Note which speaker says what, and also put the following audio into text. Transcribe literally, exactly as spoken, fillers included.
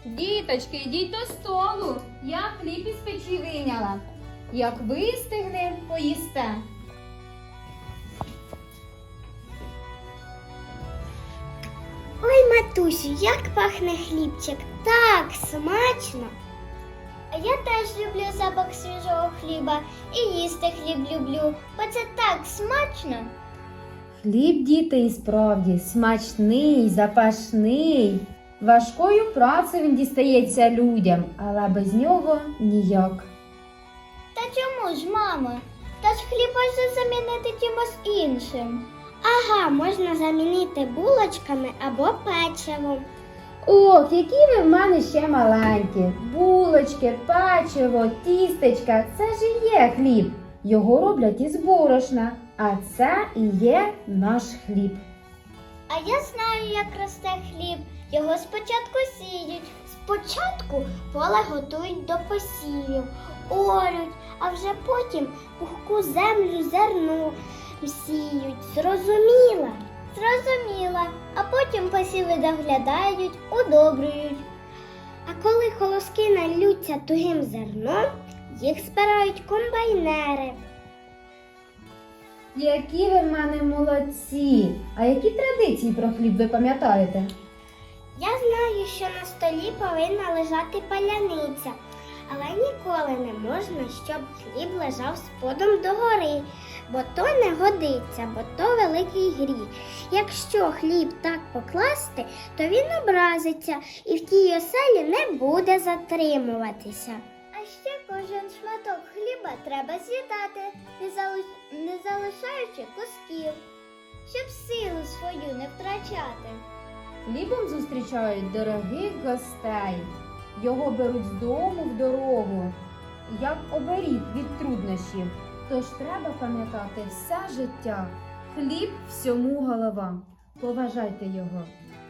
Speaker 1: Діточки, йдіть до столу. Я хліб із печі вийняла. Як вистигне, поїсте.
Speaker 2: Ой, матусю, як пахне хлібчик. Так смачно. А я теж люблю запах свіжого хліба і їсти хліб люблю, бо це так смачно.
Speaker 3: Хліб, діти, і справді смачний, запашний. Важкою працею він дістається людям, але без нього ніяк.
Speaker 2: Та чому ж, мамо? Та ж хліб можна замінити чимось іншим. Ага, можна замінити булочками або печивом.
Speaker 3: Ох, які ви в мене ще маленькі. Булочки, печиво, тістечка – це ж і є хліб. Його роблять із борошна, а це і є наш хліб.
Speaker 2: А я знаю, як росте хліб. Його спочатку сіють. Спочатку поле готують до посівів, орють, а вже потім пухку землю зерно сіють. Зрозуміла? Зрозуміла. А потім посіви доглядають, удобрюють. А коли колоски нальються тугим зерном, їх збирають комбайнери.
Speaker 3: Які ви в мене молодці! А які традиції про хліб ви пам'ятаєте?
Speaker 2: Я знаю, що на столі повинна лежати паляниця, але ніколи не можна, щоб хліб лежав сподом догори, бо то не годиться, бо то великий гріх. Якщо хліб так покласти, то він образиться і в тій оселі не буде затримуватися. А ще кожен шматок хліба треба з'їдати, не, залиш- не залишаючи кусків, щоб силу свою не втрачати.
Speaker 3: Хлібом зустрічають дорогих гостей. Його беруть з дому в дорогу, як оберіг від труднощів. Тож треба пам'ятати все життя. Хліб всьому голова. Поважайте його.